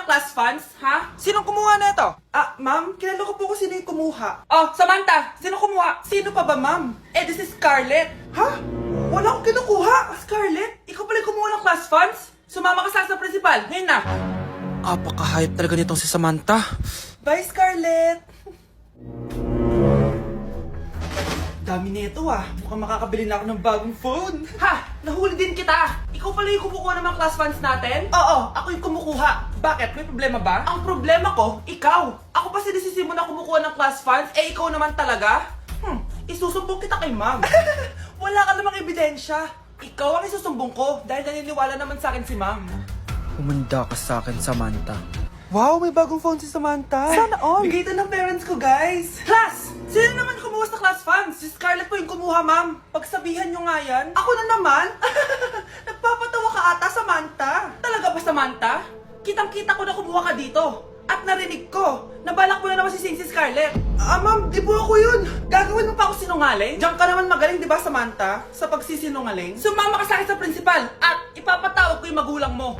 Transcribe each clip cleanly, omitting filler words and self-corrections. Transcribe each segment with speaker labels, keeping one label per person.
Speaker 1: ng class funds, ha?
Speaker 2: Sinong kumuha na ito?
Speaker 1: Ma'am, kilala ko po kung sino yung kumuha. Oh, Samantha, sino kumuha? Sino pa ba, ma'am? This is Scarlett. Ha? Wala akong kinukuha. Scarlett, ikaw pala yung kumuha ng class funds? Sumama ka sa principal, ngayon na.
Speaker 2: Apaka-hype talaga nitong si Samantha.
Speaker 1: Bye, Scarlett. Dami na ito Mukhang makakabili na ako ng bagong phone. Ha! Nahuli din kita! Ikaw pala yung kumukuha ng mga class funds natin? Oo, ako yung kumukuha. Bakit? May problema ba? Ang problema ko, ikaw. Ako pa sinisisi mo na kumukuha ng class funds, ikaw naman talaga? Isusumbong kita kay ma'am. Wala ka namang ebidensya. Ikaw ang isusumbong ko dahil naniniwala naman sa akin si ma'am.
Speaker 2: Humanda ka sa akin, Samantha.
Speaker 1: Wow, may bagong phone si Samantha. Sana all. Bigay ito ng parents ko, guys. Class! Sino naman kumuha sa class funds? Si Scarlett po yung kumuha, ma'am. Pagsabihan nyo nga yan. Ako na naman? Nagpapatawa ka ata, Samantha. Talaga ba, Samantha? Kitang-kita ko na kumuha ka dito. At narinig ko, nabalak mo na naman si Scarlett. Ma'am, di po ako yun. Gagawin mo pa ako sinungaling? Diyan ka naman magaling, di ba, Samantha? Sa pagsisinungaling? Sumama ka sa akin sa principal at ipapatawag ko yung magulang mo.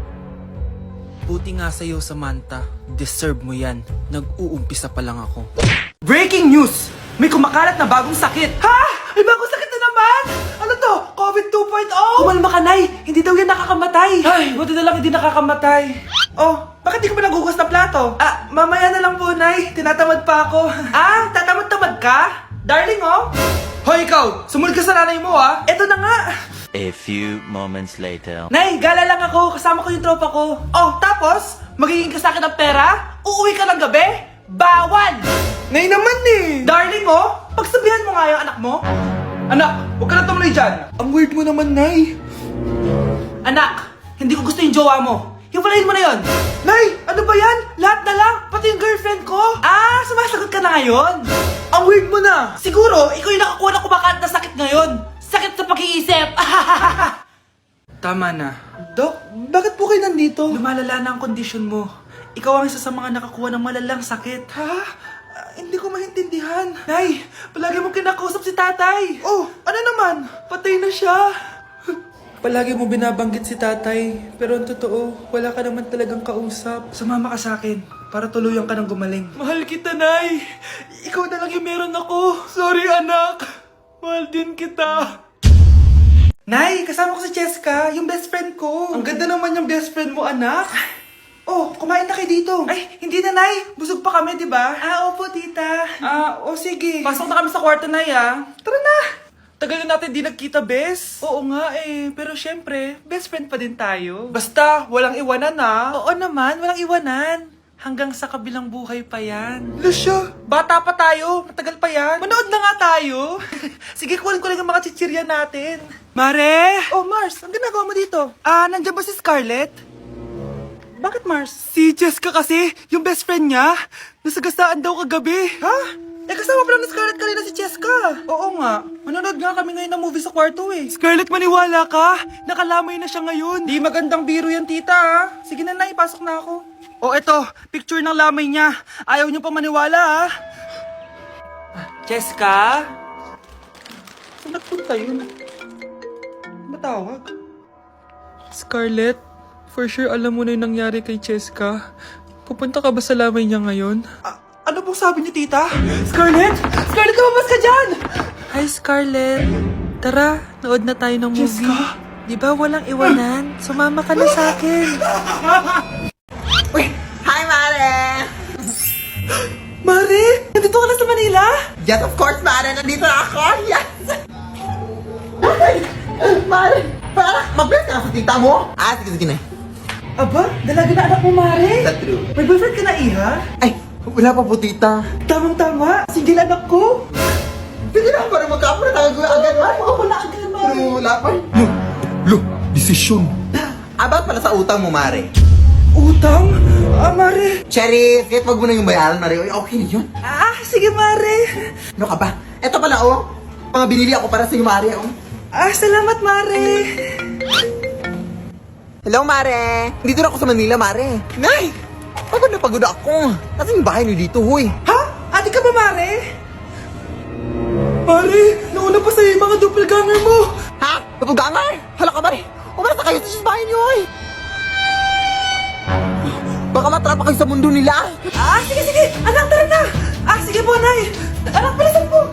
Speaker 2: Buti nga sa'yo, Samantha. Deserve mo yan. Nag-uumpisa pa lang ako.
Speaker 1: Breaking news! May kumakalat na bagong sakit. Ha? May bagong sakit na naman? Ano to? COVID 2.0? Kumalma ka, Nay. Hindi daw yan nakakamatay. Ay, buti na lang hindi nakakamatay. Oh, bakit di ka pa nagugas ng plato? Mamaya na lang po, Nay. Tinatamad pa ako. Tatamad-tamad ka? Darling, oh. Hoy, ikaw! Sumunod ka sa nanay mo, Eto na nga.
Speaker 3: A few moments later.
Speaker 1: Nay, gala lang ako. Kasama ko yung tropa ko. Oh, tapos? Magiging ka sa akin ng pera? Uuwi ka ng gabi? Bawal! Nay naman Darling, pagsabihan mo nga yung anak mo. Anak, huwag ka na tumuloy dyan. Ang weird mo naman, Nay. Anak, hindi ko gusto yung jowa mo. Hiwalayin mo na yon. Nay, ano ba yan? Lahat na lang, pati yung girlfriend ko. Sumasagot ka na ngayon? Ang weird mo na. Siguro, ikaw yung nakakuha ng kumakalat na sakit ngayon. Sakit sa pag-iisip.
Speaker 2: Tama na.
Speaker 1: Dok, bakit po kayo nandito? Lumalala na ang kondisyon mo. Ikaw ang isa sa mga nakakuha ng malalang sakit. Ha? Hindi ko maintindihan. Nay, palagi mo kinakausap si tatay. Oh, ano naman? Patay na siya. Palagi mo binabanggit si tatay. Pero ang totoo, wala ka naman talagang kausap. Sumama ka sa akin para tuluyan ka ng gumaling. Mahal kita, Nay. Ikaw na lang yung meron ako. Sorry, anak. Mahal din kita. Nay, kasama ko si Cheska, yung best friend ko. Ang ganda naman yung best friend mo, anak. Oh, kumain na kayo dito. Ay, hindi na, Nay. Busog pa kami, di ba? Opo, tita. Sige. Pasok na kami sa kwarto, Nay, Tara na. Tagal na natin di nagkita, bes. Oo nga, Pero syempre, best friend pa din tayo. Basta, walang iwanan, Oo naman, walang iwanan. Hanggang sa kabilang buhay pa yan. Lusya, bata pa tayo. Matagal pa yan. Manood na nga tayo. Sige, kunin ko lang ang mga chichirya natin. Mare! Oh, Mars, ang ginagawa mo dito? Nandiyan ba si Scarlett? Bakit, Mars? Si Jessica kasi, yung best friend niya, nasagasaan daw kagabi. Ha? Kasama pala ni Scarlett kanina si Jessica. Oo nga. Manonood nga kami ngayon ng movie sa kwarto Scarlett, maniwala ka. Nakalamay na siya ngayon. Di magandang biro yan, tita, Sige na, Nay, pasok na ako. Eto, picture ng lamay niya. Ayaw niyo pa maniwala, Jessica? Saan nagpunta yun? Matawag? Scarlett, for sure alam mo na yung nangyari kay Jessica. Pupunta ka ba sa lamay niya ngayon? Ano pong sabi niyo, tita? Scarlett! Scarlett, lumabas ka dyan! Hi, Scarlett. Tara, nood na tayo ng movie. Jessica? Di ba walang iwanan? Sumama ka na sa akin.
Speaker 4: Uy! Hi, Mare!
Speaker 1: Mare! Nandito ka na sa Manila?
Speaker 4: Yes, of course, Mare! Nandito na ako! Yes! Mare! Para mag-bless ka na sa tita mo? Sige na.
Speaker 1: Aba, dalaga na anak mo, Mare.
Speaker 4: That's true.
Speaker 1: May boyfriend ka na, Iha?
Speaker 4: Ay, wala pa po, tita.
Speaker 1: Tamang-tama. Single anak ko.
Speaker 4: Sige na, para magkapura tayo agad, Mare.
Speaker 1: Oo, wala agad, Mare.
Speaker 4: Pero wala pa. Desisyon. About pala sa utang mo, Mare.
Speaker 1: Utang? Mare.
Speaker 4: Cherry, kahit wag mo na yung bayaran, Mare. Okay na yun.
Speaker 1: Sige, Mare.
Speaker 4: Ano ka ba? Eto pala, mga binili ako para sa iyo, Mare,
Speaker 1: Salamat, Mare.
Speaker 4: Hello, Mare. Dito na ako sa Manila, Mare. Nay! Pagod na pagod ako. Kasi yung bahay niyo dito, huy.
Speaker 1: Ha? Ate ka ba, Mare? Mare, nauna pa sa'yo yung mga doppelganger mo.
Speaker 4: Ha? Napugangar? Hala ka, Mare. Umalas na kayo sa bahay niyo, huy. Baka matrapa kayo sa mundo nila.
Speaker 1: Sige! Anak, tara na! Sige po, Nay! Anak, bilisan po!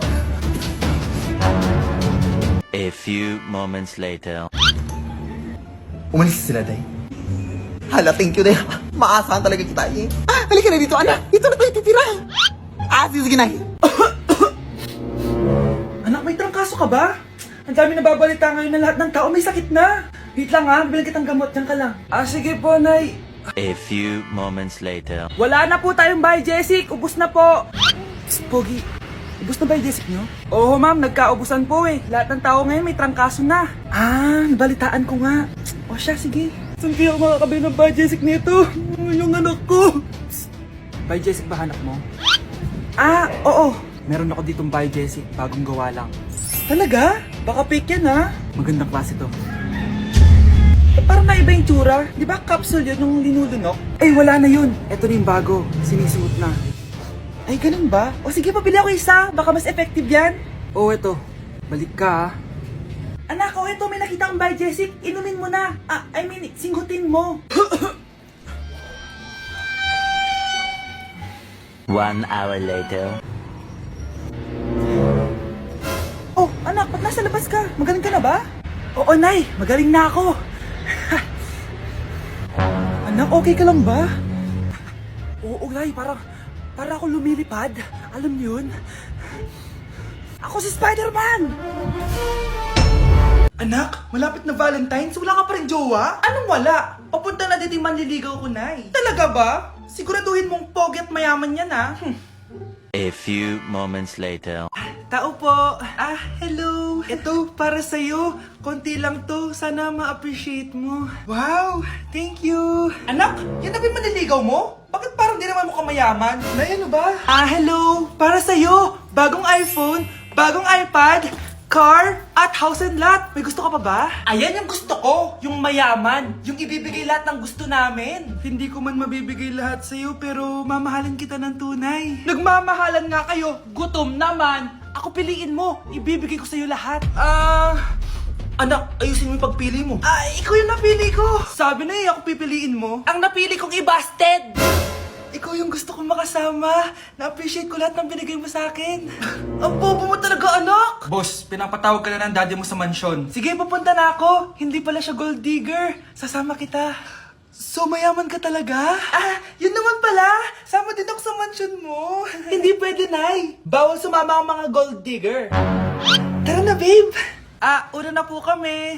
Speaker 3: A few moments later.
Speaker 4: Umalis sila, Day. Hala, thank you, Day. Maasahan talaga kita, eh. Halika na dito, anak. Dito na tayo titira. Sige, Nay.
Speaker 1: Anak, may trangkaso ka ba? Ang dami nababalita ngayon na lahat ng tao may sakit na. Wait lang ha, bibilang kitang gamot, dyan ka lang. Sige po, Nay.
Speaker 3: A few moments later.
Speaker 1: Wala na po tayong Bay Jessic, ubus na po. Pogi, ubus na Bay Jessic nyo? Oo ma'am, nagkaubusan po eh. Lahat ng tao ngayon may trangkaso na. Nabalitaan ko nga. O siya, sige. Saan kaya ako makakabili ng Bay Jessic nito? Yung anak ko. Bay Jessic ba hanap mo? Oo. Meron ako ditong Bay Jessic, bagong gawa lang. Talaga? Baka fake yan ha? Magandang klase to. Parang naiba yung tsura. Di ba capsule yun nung linulunok? Wala na yun. Ito na yung bago. Sinisuot na. Ay, ganun ba? O sige, pabili ako isa. Baka mas effective yan. Eto. Balik ka ha. Anak, ito. May nakita akong Bay Jessic. Inumin mo na. Singhutin mo.
Speaker 3: 1 hour later.
Speaker 1: Anak, ba't nasa labas ka? Magaling ka na ba? Oo, Nay. Magaling na ako. Anak, okay ka lang ba? Oo, Nay. Para ako lumilipad. Alam niyo yun? Ako si Spider-Man! Anak, malapit na Valentine's. Wala ka pa rin jowa? Anong wala? Papunta na dito yung manliligaw ko, Nay. Talaga ba? Siguraduhin mong pogi at mayaman yan, ha?
Speaker 3: A few moments later.
Speaker 1: Tao po. Hello. Ito, para sa'yo. Konti lang to. Sana ma-appreciate mo. Wow, thank you. Anak, yan na ba yung manliligaw mo? Bakit parang di naman mukhang mayaman? Nay, ano ba? Hello. Para sa'yo. Bagong iPhone, bagong iPad, car, at house and lot. May gusto ka pa ba? Ayan yung gusto ko. Yung mayaman. Yung ibibigay lahat ng gusto namin. Hindi ko man mabibigay lahat sa'yo, pero mamahalin kita ng tunay. Nagmamahalan nga kayo. Gutom naman. Ako piliin mo. Ibibigay ko sa'yo lahat. Anak, ayusin mo yung pagpili mo. Ikaw yung napili ko. Sabi na ako pipiliin mo. Ang napili kong i-busted. Ikaw yung gusto kong makasama. Na-appreciate ko lahat ng binigay mo sa akin. Ang bobo mo talaga, anak! Boss, pinapatawag ka na ng daddy mo sa mansyon. Sige, papunta na ako. Hindi pala siya gold digger. Sasama kita. So, mayaman ka talaga? Yun naman pala. Sama din ako sa mansyon mo. Hindi pwede, Nay. Bawal sumama ang mga gold digger. Tara na, babe. Una na po kami.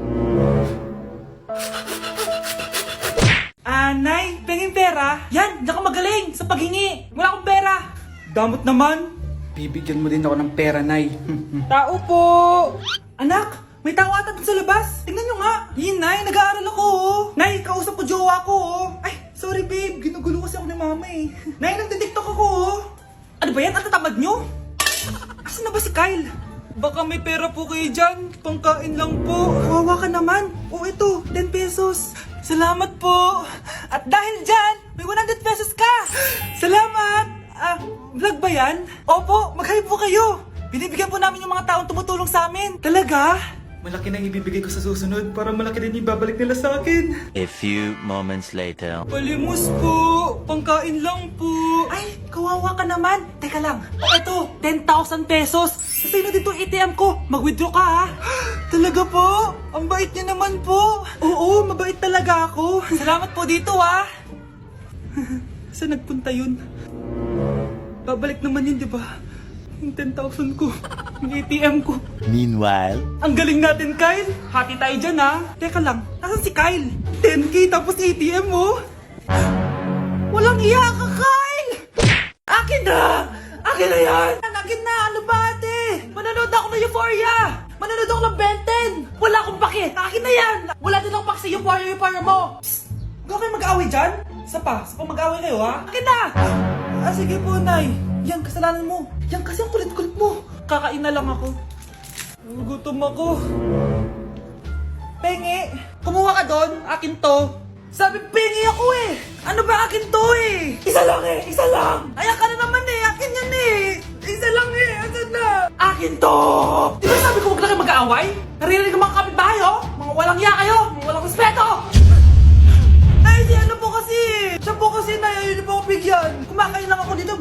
Speaker 1: Nay, pengin pera? Yan, di ako magaling sa paghingi. Wala akong pera. Damot naman. Bibigyan mo din ako ng pera, Nay. Tao po. Anak, may tao ata dun sa labas. Tingnan nyo nga. Yun, Nay, nag-aaral ako, Nay, kausap ko jowa ko, Ay, sorry, babe. Ginugulo kasi ako ni mama, Nay, nagtitiktok ako, Ano ba yan? Ang tatamad nyo? Asan na ba si Kyle? Baka may pera po kayo dyan. Pangkain lang po. Kawawa ka naman. Ito, 10 pesos. Salamat po. At dahil dyan, may 100 pesos ka. Salamat. Vlog ba yan? Opo, mag-hi po kayo. Binibigyan po namin yung mga taong tumutulong sa amin. Talaga? Malaki nang ibibigay ko sa susunod para malaki din ibabalik nila sa akin.
Speaker 3: A few moments later.
Speaker 1: Palimos po. Pangkain lang po. Ay, kawawa ka naman. Teka lang. Ito, 10,000 pesos. Sa'yo na dito ATM ko. Mag-withdraw ka, ha? Talaga po? Ang bait niya naman po. Oo, mabait talaga ako. Salamat po dito, ha? Saan nagpunta yun? Babalik naman yun, di ba? Yung 10,000 ko. Yung ATM ko.
Speaker 3: Meanwhile.
Speaker 1: Ang galing natin, Kyle. Hati tayo dyan, ha? Teka lang, nasan si Kyle? 10K tapos ATM mo? Walang iya ka, Kyle! Akin na! Akin na yan! Akin na! Ano ba, ate? Manonood ako ng Euphoria! Manonood ako ng Ben 10! Wala akong pake! Akin na yan! Wala din akong pake sa Euphoria mo! Psst! Huwag kayo mag-away dyan? Isa pa mag-away kayo, ha? Akin na! Sige po, Nay. Yan, kasalanan mo. Yan kasi ang kulit-kulit mo. Kakain na lang ako. Gutom ako. Pengi, kumuha ka doon. Akin to. Sabi, pengi ako eh. Ano ba akin to eh? Isa lang eh, isa lang. Ayan ka na naman eh, akin yan eh. Isa lang eh, asan na? Akin to. Di ba sabi ko huwag lang kayo mag-aaway? Naririnig ang mga kapitbahay, oh. Mga walang iya kayo, mga walang respeto. Ay, si ano po kasi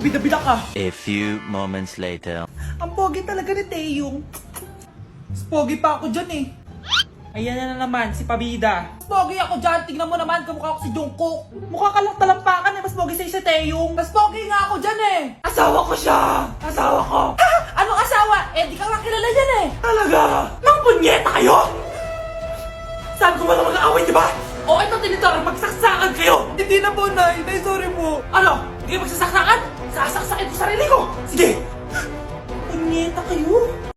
Speaker 1: bida-bida ka.
Speaker 3: A few moments later.
Speaker 1: Ang pogi talaga ni Taeyong. Mas pogi pa ako dyan eh. Ayan na naman, si Pabida. Mas pogi ako dyan, tignan mo naman, kamukha ko si Jungkook. Mukha ka lang talampakan eh, mas pogi sa'yo si Taeyong. Mas pogi nga ako dyan eh. Asawa ko siya! Asawa ko! Ha? Anong asawa? Eh, di ka nga kilala yan eh. Talaga? Mga punyeta kayo? Sabi ko walang mag-aaway, di ba? O ito tinitor, magsaksakan kayo! Hindi na po, Nay. Nay, sorry po. Ano? Hindi kayo magsasaksakan? Sasaksakin ko sarili ko! Sige! Punyeta kayo?